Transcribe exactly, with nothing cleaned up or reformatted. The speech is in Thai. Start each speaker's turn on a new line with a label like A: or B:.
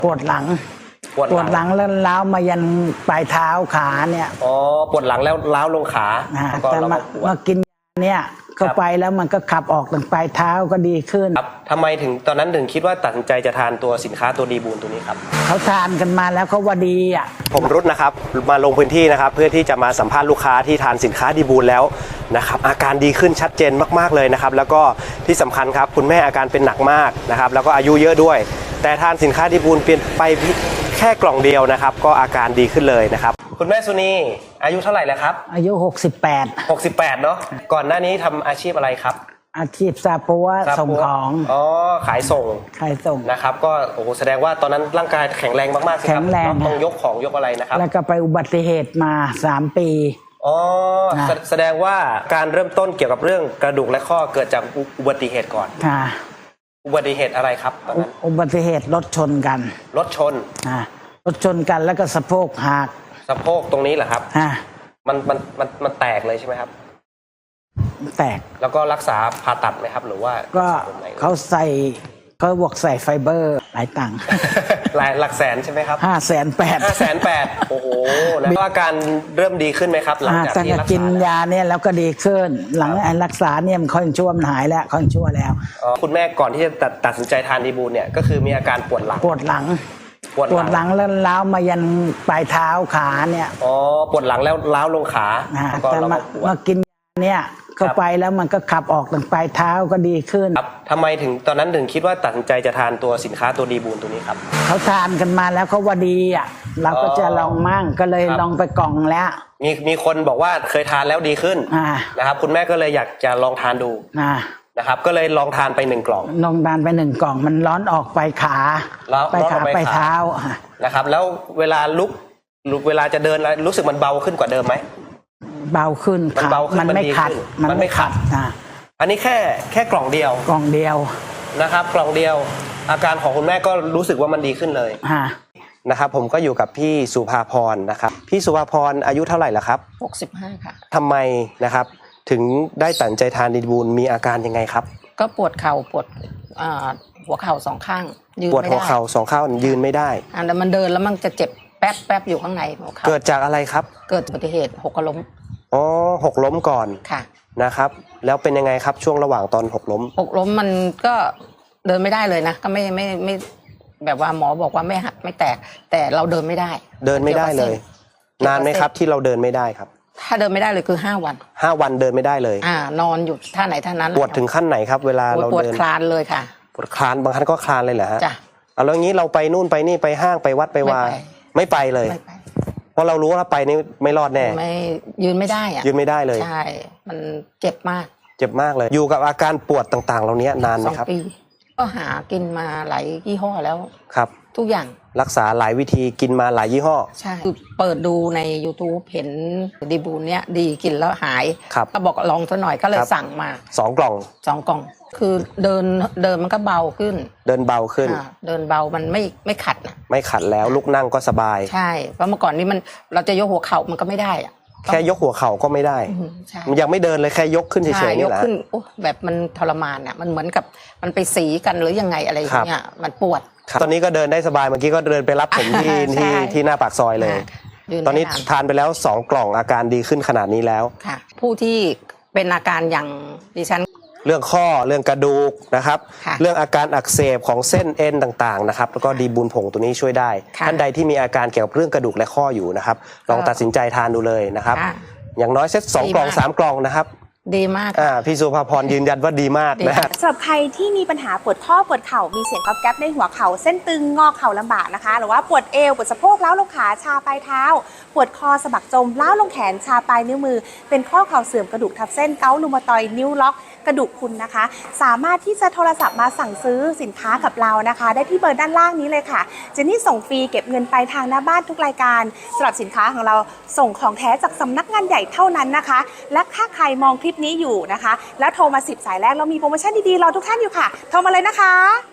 A: ปวดหลัง
B: ปวด
A: ปวดหลังแล้วล้าวมายันปลายเท้าขาเนี่ย
B: อ๋อปวดหลังแล้วล้าวลงขา
A: แต่มามากินเนี่ยเข้าไปแล้วมันก็ขับออกถึงปลายเท้าก็ดีขึ้น
B: ครับทำไมถึงตอนนั้นถึงคิดว่าตัดสินใจจะทานตัวสินค้าตัวดีบูนตัวนี้ครับ
A: เขาทานกันมาแล้วเขาว่าดีอ่ะ
B: ผมรุดนะครับมาลงพื้นที่นะครับเพื่อที่จะมาสัมภาษณ์ลูกค้าที่ทานสินค้าดีบูนแล้วนะครับอาการดีขึ้นชัดเจนมากๆเลยนะครับแล้วก็ที่สำคัญครับคุณแม่อาการเป็นหนักมากนะครับแล้วก็อายุเยอะด้วยแต่ทานสินค้าดีบูนเปลี่ยนไปแค่กล่องเดียวนะครับก็อาการดีขึ้นเลยนะครับคุณแม่สุนีอายุเท่าไหร่แล้วครับ
A: อายุหกสิบแปด
B: หกสิบแปดเนาะก่อนหน้านี้ทำอาชีพอะไรครับ
A: อาชีพซาปัวส่งของ
B: อ๋อขายส่ง
A: ขายส่ง
B: นะครับก็โอ้โหแสดงว่าตอนนั้นร่างกายแข็งแรงมากๆ
A: แข็งแรง
B: ต้องยกของยกอะไรนะครับ
A: แล้วก็ไปอุบัติเหตุมาสามปี
B: อ๋อแสดงว่าการเริ่มต้นเกี่ยวกับเรื่องกระดูกและข้อเกิดจากอุบัติเหตุก่อน
A: ค่ะ
B: อุบัติเหตุอะไรครับตอนนั้น
A: อุบัติเหตุรถชนกัน
B: รถชน
A: อ่ารถชนกันแล้วก็สะโพกหัก
B: สะโพกตรงนี้เหรอครับ
A: อ่า
B: มันมันมันมันแตกเลยใช่ไหมครับ
A: แตก
B: แล้วก็รักษาผ่าตัดไหมครับหรือว่า
A: ก็เขาใส่เขาบวกใส่ไฟเบอร์หลายตังค์
B: หลายหลักแสนใช่ไหมครับ
A: ห้าแสนแปด
B: ห้าแสนแปดโอ้โหแล้วอาการเริ่มดีขึ้นไหมครับหลังจากที่รักษา
A: กินยาเนี่ยแล้วก็ดีขึ้นหลังรักษาเนี่ยมันค่อยชั่วมันหายแล้วค่อยชั่วแล้ว
B: คุณแม่ก่อนที่จะตัดตัดสินใจทานดีบูนเนี่ยก็คือมีอาการปวดหลัง
A: ปวดหลังปวดหลังแล้วล้าวมายันปลายเท้าขาเนี่ย
B: อ๋อปวดหลังแล้วล้าวลงขา
A: แต่มามากินเนี่ยเข้าไปแล้วมันก็ขับออกถึงปลายเท้าก็ดีขึ้น
B: ครับทำไมถึงตอนนั้นถึงคิดว่าตัดสินใจจะทานตัวสินค้าตัวดีบูนตัวนี้ครับ
A: เขาทานกันมาแล้วเขาว่าดีอ่ะเราก็จะลองมั่งก็เลยลองไปกล่องแล้ว
B: มีมีคนบอกว่าเคยทานแล้วดีขึ้นนะครับคุณแม่ก็เลยอยากจะลองทานดูนะครับก็เลยลองทานไปหนึ่งกล่อง
A: ลองทานไปหนึ่งกล่องมันร้อนออกไปขาไปขาไปเท้า
B: นะครับแล้วเวลาลุกลุกเวลาจะเดินรู้สึกมันเบาขึ้นกว่าเดิมไหม
A: เบาขึ้น
B: มันเบาขึ้น
A: มันไม่ขัด
B: มันไม่ขัดอันนี้แค่แค่กล่องเดียว
A: กล่องเดียว
B: นะครับกล่องเดียวอาการของคุณแม่ก็รู้สึกว่ามันดีขึ้นเลยนะครับผมก็อยู่กับพี่สุภาพรนะครับพี่สุภาพรอายุเท่าไหร่แล้วครับ
C: หกสิบห้าค่ะ
B: ทำไมนะครับถึงได้ตัดใจทานดีบูนมีอาการยังไงครับ
C: ก็ปวดเข่าปวดหัวเข่าสองข้าง
B: ยืนไม่ได้ปวดหัวเข่าสองข้างยืนไม่ได้
C: อ่าแล้วมันเดินแล้วมันจะเจ็บแป๊บแป๊บอยู่ข้างในหัวเข่า
B: เกิดจากอะไรครับ
C: เกิดอุบัติเหตุหกล้ม
B: อ๋อหกล้มก่อน
C: ค่ะ
B: นะครับแล้วเป็นยังไงครับช่วงระหว่างตอนหกล้ม
C: หกล้มมันก็เดินไม่ได้เลยนะก็ไม่ไม่ไม่แบบว่าหมอบอกว่าไม่หักไม่แตกแต่เราเดินไม่ได้
B: เดินไม่ได้เลยนานไหมครับที่เราเดินไม่ได้ครับ
C: ถ้าเดินไม่ได้เลยคือห้าวัน
B: ห้าวันเดินไม่ได้เลย
C: อ่านอนอยู่ท่าไหนท่านั้น
B: ปวดถึงขั้นไหนครับเวลาเราเดิน
C: ปวดคลานเลยค่ะ
B: ปวดคลานบางครั้งก็คลานเลยเหรอฮะ
C: จ้ะ
B: เอาแล้วงี้เราไปนู่นไปนี่ไปห้างไปวัดไปวาไม่ไปเลยเพราะเรารู้ว่าไปนี่ไม่รอดแน่
C: ไม่ยืนไม่ได้อะ
B: ยืนไม่ได้เลย
C: ใช่มันเจ็บมาก
B: เจ็บมากเลยอยู่กับอาการปวดต่างๆเหล่านี้นานไหมครับ
C: สองปีก็หากินมาหลายยี่ห้อแล้ว
B: ครับ
C: ทุกอย่าง
B: รักษาหลายวิธีกินมาหลายยี่ห้อ
C: ใช่คือเปิดดูใน ยูทูบ เห็นดีบูนเนี้ยดีกินแล้วหายก็บอกลองซะหน่อยก็เลยสั่งมา
B: สองกล่อง
C: สองกล่องคือเดินเดินมันก็เบาขึ้น
B: เดินเบาขึ้น
C: เดินเบามันไม่ไม่ขัดนะ
B: ไม่ขัดแล้วลุกนั่งก็สบาย
C: ใช่เพราะเมื่อก่อนนี้มันเราจะยกหัวเข่ามันก็ไม่ได้อะ
B: แค่ยกหัวเข่าก็ไม่ได้มันยังไม่เดินเลยแค่ยกขึ้นเฉยๆนี่แหละ
C: ยกขึ้นโอ้แบบมันทรมานอ่ะมันเหมือนกับมันไปสีกันหรือยังไงอะไรอย่างเงี้ยมันปวด
B: ตอนนี้ก็เดินได้สบายเมื่อกี้ก็เดินไปรับผมที่ที่ที่หน้าปากซอยเลยตอนนี้ทานไปแล้วสองกล่องอาการดีขึ้นขนาดนี้แล้ว
C: ค่ะผู้ที่เป็นอาการอย่างดิฉัน
B: เรื่องข้อเรื่องกระดูกนะครับเรื่องอาการอักเสบของเส้นเอ็นต่างๆนะครับแล้วก็ดีบูนผงตัวนี้ช่วยได้ท่านใดที่มีอาการเกี่ยวกับเรื่องกระดูกและข้ออยู่นะครับลองตัดสินใจทานดูเลยนะครับอย่างน้อยเซตสองกล่องสามกล่องนะครับ
C: ดีมาก
B: อ่าพี่สุภาพรยืนยันว่าดีมากนะ
D: สำหรับใครที่มีปัญหาปวดข้อปวดเข่ามีเสียงก๊อบแก๊บในหัวเข่าเส้นตึงงอเข่าลำบากนะคะหรือว่าปวดเอวปวดสะโพกล้าวลงขาชาปลายเท้าปวดคอสะบักจมล้าวลงแขนชาปลายนิ้วมือเป็นข้อเข่าเสื่อมกระดูกทับเส้นเกาต์รูมาตอยด์นิ้วล็อกกระดูกพรุนนะคะสามารถที่จะโทรศัพท์มาสั่งซื้อสินค้ากับเรานะคะได้ที่เบอร์ด้านล่างนี้เลยค่ะเจนนี่ส่งฟรีเก็บเงินปลายทางหน้าบ้านทุกรายการสำหรับสินค้าของเราส่งของแท้จากสำนักงานใหญ่เท่านั้นนะคะและถ้าใครมองคลิปนี้อยู่นะคะแล้วโทรมาสิบสายแรกเรามีโปรโมชั่นดีๆรอทุกท่านอยู่ค่ะโทรมาเลยนะคะ